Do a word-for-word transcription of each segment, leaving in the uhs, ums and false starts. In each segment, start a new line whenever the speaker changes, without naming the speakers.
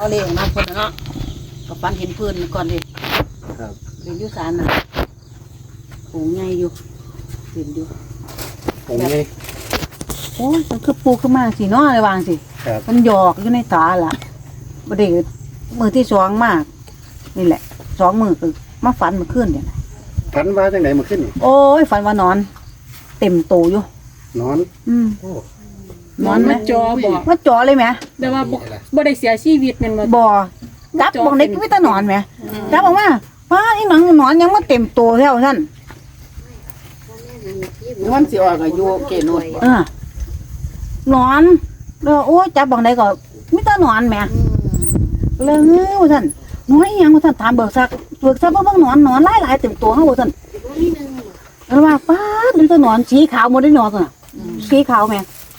เอาเลยน้ำคนเนาะกับฟันเห็นพื้นก่อนดิ
ครับ
เรียนยุสานน่ะโหงใหญ่อยู่เห็นอยู่
ผมไง
โอ้ยมันคือปูขึ้นมาสิเนาะอะไรวางสิมันหยอกอยู่ในตาล่ะประเดี๋ยวมือที่สองมากนี่แหละสองมือคือมาฝันมาขึ้นเนี่ย
ฝันว่าจังไหนมาขึ้น
โอ้ยฝันว่านอน เต็มโตอยู่
นอน
อืม
นอนมาจอบ่
มาจอเลยไหม
แต่ว่าบ่บ่ได้เสียชีวิตแม่นบ่
บ่จับบ่ได้ก็ไม่ต้องนอนไหมจับบอกว่าป้าอีหนังนอนยังมาเต็มโตแล้วท่าน
นอนสิออกอายุเกณฑ์นวด
เออนอนแล้วโอ้ยจับบังไดก็ไม่ต้องนอนแหมเลยเงี้ยท่านน้อยยังท่านถามเบิกซักเบิกซักเบิ่งนอนนอนหลายหลายเต็มตัวเฮาท่านแล้วว่าป้ามันจะนอนสีขาวหมดได้นอนน่ะสีขาวแม่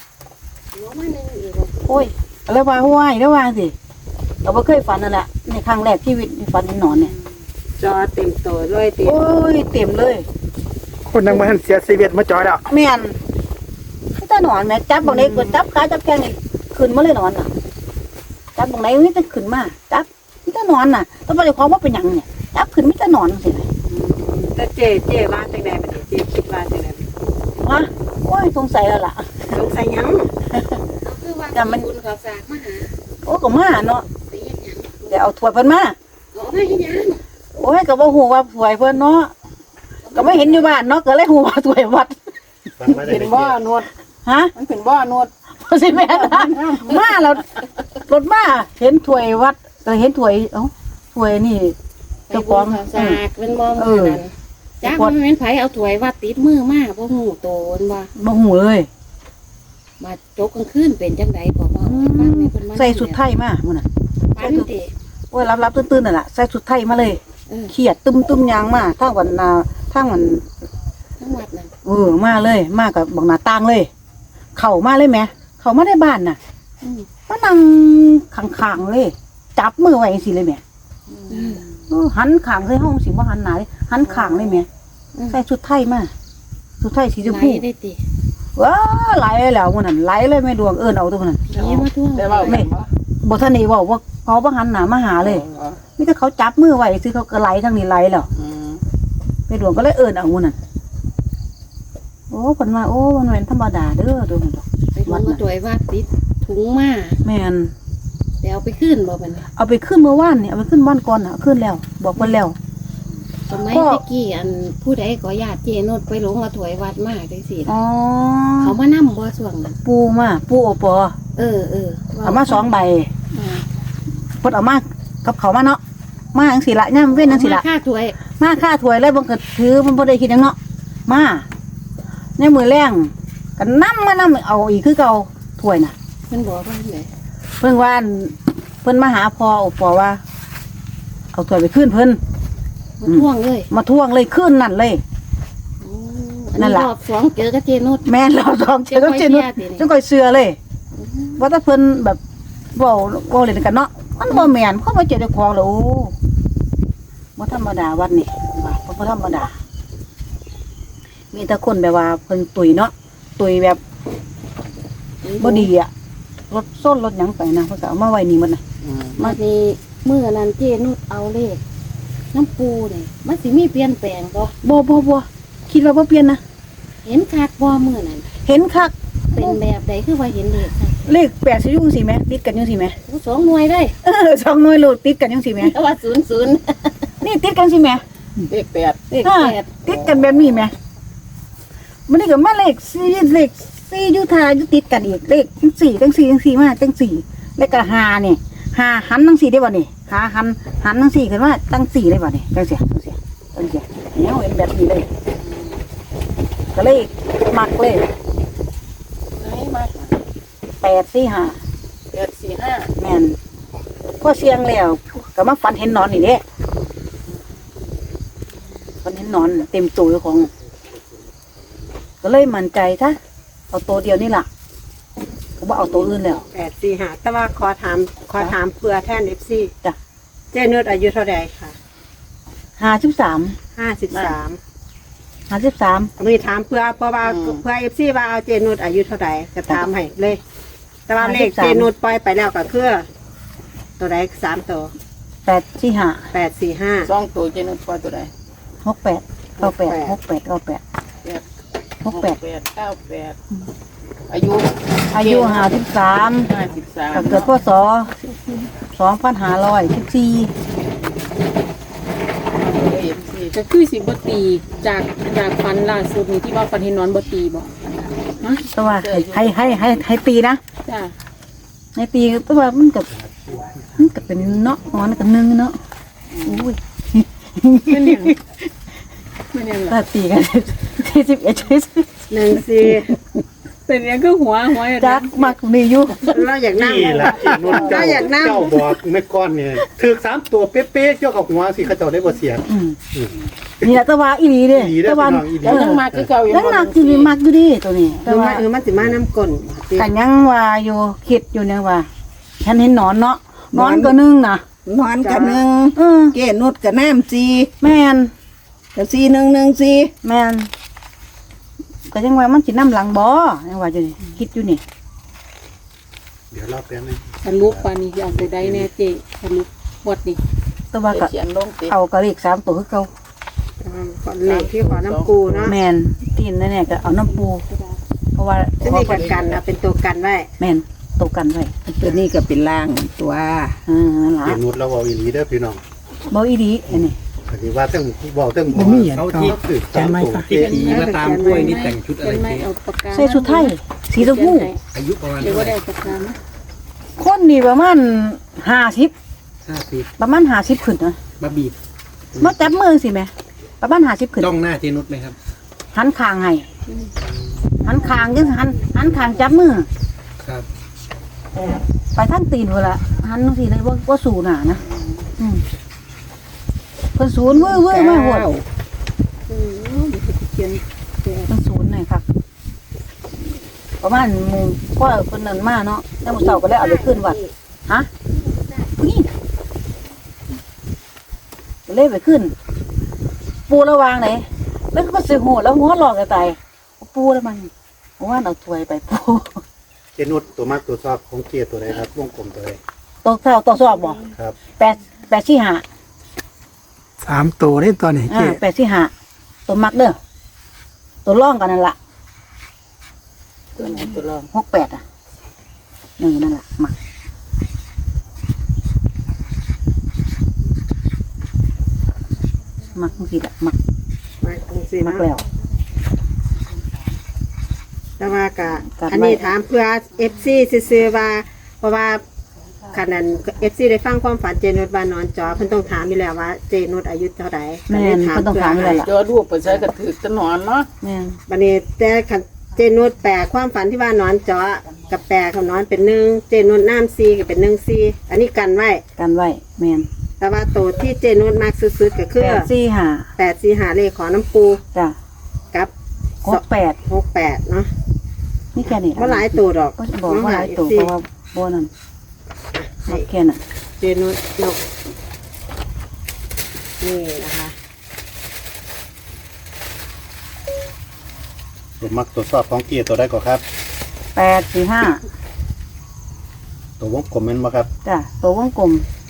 โอ้ยแล้วว่าห้วยแล้วว่าสิเราบ่เคยฝันนั่นแหละในครั้งแรกชีวิตฝันเห็นนอนเนี่ย
จอเต็มตัวเลยเต็ม
โอ้ยเต็มเลย
คนนั่งมาหันเสียชีวิตมาจอยแล้ว
แม่นไม่ต้องนอนแม่จับบังไดก็จับขาจับแข้งนี่ขึ้นมาเลยนอนน่ะจับบังไดนี่จะขึ้นมาจับไม่ต้องนอนน่ะต้องบ่ได้ความว่าเป็นหยังเนี่ยจับขึ้นไม่ต้องนอนสิ
แต่เจเจว่าจังได๋บัดนี้เจคิดว่าจังได๋
ฮะโอ้ยสงสัยแล้วล่ะ
สงสัยหยัง
คือว่าแต่มันบุญเขาฝากมาหา
โอ้ก็มาเนาะ
ไปเฮ็ดหยัง
เดี๋ยวเอาถ้วยเพิ่นมา
โอ้ยหยัง
โอ้ยก็บ่ฮู้ว่าถ้วยเพิ่นเนาะก็ไม่เห็นอยู่บ้านเนาะก็เลยฮู้ว่าถ้วยวัด
เป็นบ่อนวด
ฮะ
มันเป็นบ่อนวด
บ่สิแม่นมาแล้วรถมาเห็นถ้วยวัดก็เห็นถ้วยเอ้าถ้วยนี่
เจ้าของเขาฝากเป็นบ่มื้อนั้นจักมันเป็นไผเอาถ้วยวัดติดมือมาบ่ฮู้โตนบ่
บ่ฮู้เลย
มาจกกลางคืนเป็นจังได๋บ่ว่าฟังแม่เพิ่นมา
ใส่สุดไทยมามื้อนั้น
ปันติ
โอ้ยรับๆตื่นๆนั่นล่ะใส่สุดไทยมาเลยเครียดตึมๆยางมาทางวันนาทางวัน
ทั้งวัดนั่น
เออมาเลยมากับบักหน้าต่างเลยเข้ามาเลยแม่เข้ามาในบ้านน่ะมานั่งข้างๆเลยจับมือไว้จังซี่เลยแม่เออหันข้างใส่ห้องสิบ่หันหน้าเลยหันข้างเลยแม่ใส่ชุดไทยมาชุดไทยสีชมพู
ได้ติ
ว้าไหลแล้วมื้อนั้นไหลเลยแม่ดวงเอิ้นเอาตัวนั้น
นี่มาทั่ว
แต่ว่าแม่
บ่ทันได้เว้าว่าเขาบ่หันหน้ามาหาเลยมีแต่เขาจับมือไว้ซื่อเขาก็ไหลทางนี้ไหลแล้วแม่ดวงก็เลยเอิ้นเอามื้อนั้นโอ้เพิ่นว่าโอ้มันเป็นธรรมดาเด้อตัวนั้นดอก
ไปวัดมาถ้วยวัดติดถุงมา
แม่น
แต่เอาไปคืนบ่บัดนี้
เอาไปขึ้นเมื่อวานนี่เอาไปขึ้นวันก่อนน่ะขึ้นแล้วบอกเพิ่นแล้ว
สมัยตะกี้อันผู้ใดก็ญาติเจนุชไปหลงมาถวายวัดมาจังซี่
อ๋อ
เขามานำบ่ช่วงนั้น
ปูมาปูโอปอ
เออเออ
เอามาสองใบเพิ่นเอามากับเขามาเนาะมาจังซี่ล่ะย่ํเว้นจังซี่ล่ะ
ค่าถวย
มาค่าถวยเลยบ่ก็ถือมันบ่ได้คิดหยังเนาะมาในมื้อแรงก็นำมานำเอาอีกคือเก่าถวยน่ะ
เพิ่นบอกว่าไง
เพิ่นว่าเพิ่นมาหาพ่อโอปอว่าเอาถวยไปคืนเพิ่น
มาท่วงเลย
มาท่วงเลยขึ้นนั่นเลย
นั่นแหละรอบสองเจอกับเจนุช
แม่รอบสองเจอกับเจนุชจังก่อยเสือเลยว่าถ้าเพิ่นแบบเว้าเว้าเล่นกันเนาะมันบ่แม่นเพราะว่าเจอเจ้าของแล้วโอ้บ่ธรรมดาวัดนี่ว่าบ่ธรรมดามีแต่คนแบบว่าเพิ่นตุยเนาะตุยแบบบ่ดีอ่ะรถส้นรถหยังไปนะเพิ่นก็เอามาไว้นี่หมดน่ะ
มานี่มื้อนั้นเจนุชเอาเลขน้ำปูเนี่ยมันสิมีเปลี่ยนแปลงบ่
บ่บ่บ่คิดว่าบ่เปลี่ยนนะ
เห็นคักบ่มื้อนั้น
เห็นคัก
เป็นแบบใดคือว่าเห็นเลขคัก
เลขแปดสิอยู่จังซี่แหมติดกันจังซี่แหม
โอ้สองหน่วยเลย
เออสองหน่วยโลดติดกันจังซี่แหม
แต่ว่าศูนย์ ศูนย์
นี่ติดกันสิแหม
เลขแปด
เลขแปด
ติดกันแบบนี้แหมมันนี่ก็มาเลขสี่เลขสี่อยู่ทาอยู่ติดกันอีกเลขจังสี่จังสี่จังสี่มาจังสี่แล้วก็ห้านี่ห้าหันจังสี่ได้บ่นี่หาหันหันจังสี่ขึ้นมาจังสี่ได้บ่นี่จังซี่จังซี่จังซี่แนวเห็นแบบนี้เลยก็เลยมักเลย
ไหนมา
แปดสี่ห้า
แปดสี่ห้า
แม่นพอเสียงแล้วก็มาฝันเห็นนอนนี่เด้ฝันเห็นนอนเต็มตัวของก็เลยมั่นใจซะเอาตัวเดียวนี่ล่ะก็บ่เอาตัวอื่นแล้ว
แปดสี่ห้าแต่ว่าขอถามขอถามเพื่อแทน เอฟ ซี
จ้ะ
เจนุชอายุเท่าใดค่ะ
ห้าสิบสาม
ห้าสิบสาม
ห้าสิบสาม
มีถามเพื่อเพราะว่าเพื่อ เอฟ ซี ว่าเอาเจนุชอายุเท่าใดจะถามให้เลยแต่ว่าเลขเจนุชปล่อยไปแล้วก็คือตัวใดสามตัว
แปดสี่ห้า
แปดสี่ห้า
สองตัวเจนุชปล่อยตัวใด
หกแปดเก้าแปดหกแปดเก้าแปดหกแปด
แปดเก้าแปดอายุ
อายุห้าสิบสาม
ห้าสิบสาม
เกิดพศสองพันห้าร้อยสิบสี่
เอฟซีก็คือสิบ่ตีจากจากฟันล่าสุดนี่ที่ว่าฟันเห็นนอนบ่ตีบ่ฮะ
แต่ว่าให้ให้ให้ให้ตีนะ
จ้า
ให้ตีแต่ว่ามันกับมันกับเป็นเนาะมันกับหนึ่งเนาะอุ้ย
ไม่เนี่ยไม่เนี่ยหรอ
ถ้าตีกันที่สิบเอ็ดใช่
หนึ่งสี่
เป็นอย่างก็หัวหัว
จักมักมีอยู่
เราอยากนั่ง
นี่ล่ะเจนุชเจ้า
เราอยากนั่ง
เจ้าบอกแม่ก้อนเนี่ยถือสามตัวเป๊ะๆเจ้ากับหัวสิเขาเจ้าได้บ่เสีย
อืมนี่แหละแต่ว่าอีหลีเด้
อีหลีเด้อ
แต่ว่า
พี่น้องอีหลี
แล้วยังมาคือเก่าอยู่
ยังหนักอยู่นี่มักอยู่ดิตัวนี้
ห
แต่
รือ
ว่า
ว่าเออมันสิมาน้ำก้น
กันยังว่าอยู่คิดอยู่เนี่ยว่าฉันเห็นหนอนเนาะหนอนก็นึงนะ
นอนกันหนึ่ง
เออ
เกนุดกับน้ำซี
แม่น
กับซีหนึ่งหนึ่งซี
แม่นก็ยังว่ามันสิน้ำหลังบ่ยังว่าอยู่นี่คิดอยู่นี่
เดี๋ยวรอแป๊บนึง
สรุปปานนี้อยากไปได้แน่เจสรุปบทนี่
แต่ว่าก็
เขียนลงติ
เอากระเลขสามตัวคือเก่า
ก่อนเลขที่ขอน้ำกูเนาะ
แม่นตีนนั่นแหละก็เอาน้ำปู เพราะว่า
จะมีกันกันนะเป็นตัวกันไว้
แม่นตกกันไว้
ตัวนี้ก็เป็นล่างตัว
เออนั่นล่ะ
เจนุชเราเว้าอีหลีเด้อพี่น้อง
บ่อีดีอันนี้
ก็สิว่าเทั้งเว้าเทั้ง
บ่มีหยัง
เขาที่ถือสามตัว
ที่
เป๊ะ
ผีมาตามกล้วยนี่แต่งชุดอะไร
เป็นไม่
เจ๊
เอาปากกา
ใส่ชุดไทยสีชมพู
อายุประมาณ
หรือ
เท่า
ว่า
ไหร่
ได้ปากกาไหม
คนนี่ประมาณห้าสิบ
ห้าสิบ
ประมาณห้าสิบขึ้นนะ
มาบีบ
มาจับมือสิแม่ประมาณห้าสิบขึ้น
จ้องหน้าเจนุชไหมครับ
หันคางให้หันคางยังหันหันคางจับมือ
ครับ
ไปทั้งตีนเวละหันจังซี่เลยว่าว่าสูหน่ะนะอืมเพิ่นศูนย์เว้อเว้อมาโหด
เออเดี๋ยวจะเขียนแปด
เพิ่นศูนย์หน่อยครับประมาณหมู่ก็เพิ่นนั่นมาเนาะแล้วมื้อเช้าก็เลยเอาไปขึ้นวัดฮะผู้หญิงก็เลยไปขึ้น ปูระวางไหนแล้วก็สิโหดแล้วหัวหลอกกันตายปูแล้วมันว่าเอาถ้วยไปปู
เจนุชตัวมากตัวชอบของเกียร์ตัวใดครับวงกลมตัวใด
ตกเท่าตกสอบบ่
ครับ
แปดแปดสี่ห้า
สามตัวได้ตอนนี้
อ่าแปดสี่ห้าตัวมักเด้อตัวร่องกันนั่นละ
ตัวไหนตัวรอง
หกแปดอ่ะนี่นั่นแหละมักมักบางทีละมัก
มาตรงสี่
มัก
เนาะ
แล้ว
แต่ว่ากะ
กันไว้
อันนี้ถามเพื่อเอฟซีซื้อๆว่า เพราะว่าขนาดเอฟซีได้ฟังความฝันเจนุชว่านอนจอเพิ่นต้องถามอยู่แล้วว่าเจนุชอายุเท่าไหร่
แม่นเพิ่นต้องถามอยู่แล้วล่ะ
จอรูปไปใช้กระถือตะหนอนเนาะ
แม่น
บัดนี้แต่คันเจนุชแปลความฝันที่ว่านอนจอกับแปลคำนอนเป็นหนึ่งเจนุชน้ำซีก็เป็นหนึ่งซีอันนี้กันไว้
กันไว้แม่น
แต่ว่าตัวที่เจนุชมากสุดๆก็คือ
แปดสี่ห้า
แปดสี่หาเลขของน้ำปู
จ้ะ
กับ
หกแปด
หกแปดเนาะ
นี่แค่นี้
ว่าหลายตัวดอก
ก็บอกว่าหลายตัวเพราะว่าโบนั่นมักแค่นั้น
เจนุชนกนี่นะคะ
ตัวมักตัวชอบของเกียร์ตัวใดก็ครับ
แปดสี่ห้า
ตัววงกลมแม่นบ่ครับ
จ้ะตัววงกลม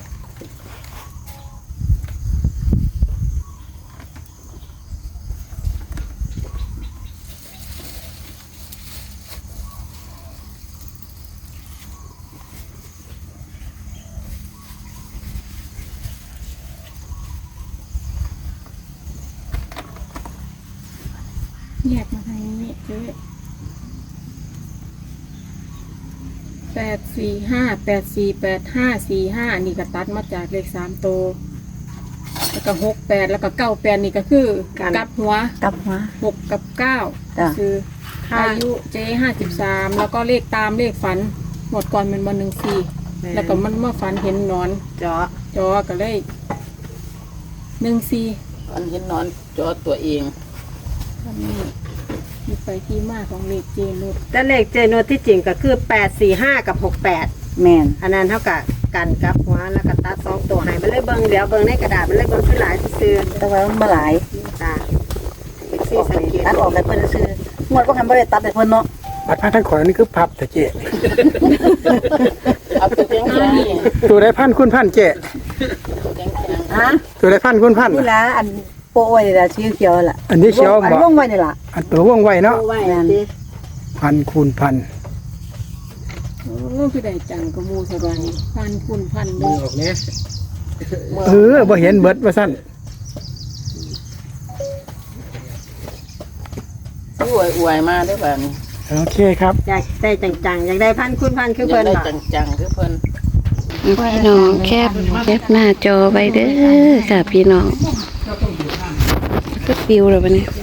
แยกมาทางนี้เจ๊แปดสี่ห้าแปดสี่แปดห้าสี่ห้านี่ก็ตัดมาจากเลขสามตัวแล้วก็หกแปดแล้วก็เก้าแปดนี่ก็คือกลับหัว
กลับมา
หกกับเก้า
จ้ะ
คืออายุเจ๊ห้าสิบสามแล้วก็เลขตามเลขฝัน หมดก่อนมันมาหนึ่งสี่แล้วก็มันเมื่อฝันเห็นหนอน
เจาะ
จอก็เลยหนึ่งสี่ฝันเห็นหนอนจอตัวเองอันนี้มีไปที่มาของเลขเจนุช
แต่เลขเจนุชที่จริงก็คือแปดสี่ห้ากับหกแปด
แมน
อันนั้นเท่ากับกันกับหัวแล้วก็ตัดสองตัวให้มันเลยเบิ่งเดี๋ยวเบิ่งในกระดาษมันเลยเบิ่งขึ้นหลายซื่อ
แต่ว่ามันบ่หลาย
ๆตาเอ็กซี่สังเกต
ตัดออกให้เพิ่นซื้อๆงวดบ่คันบ่ได้ตัดให้เพิ่นเนาะ
บัตรพักทั้งขอยนี่คือพับแต่เจ๊
เอาไปเพียงห้า
ตัวได้พันคุณพันเจ๊
ฮะ
ตัวได้พันคุณพัน
นี่ล่ะอันโปะไว้นี่ล่ะสีเขียวล่ะ
อันนี้เขียว
อัน
บ่
วงไว้นี่ล่ะ
อันตัวว่องไวเนาะ
เอาไว้สิ
พันคูณพัน
โอ้คือได้จังกระมูสบายพันคุณพันเล
มือย ออกเนี้ยเออบ่เห็นเบิดว่าสั้น
อวยอวยมาได้อบ้าน
โอเคครับ
อยากได้จังๆอยากได้พันคุณพันคือเพิ่น
ได้
บ่
จังๆคือเพิ่น
พี่น้องแคบแคบหน้าจอไว้เด้อค่ะพี่น้องก็ปิวแล้วบัดนี้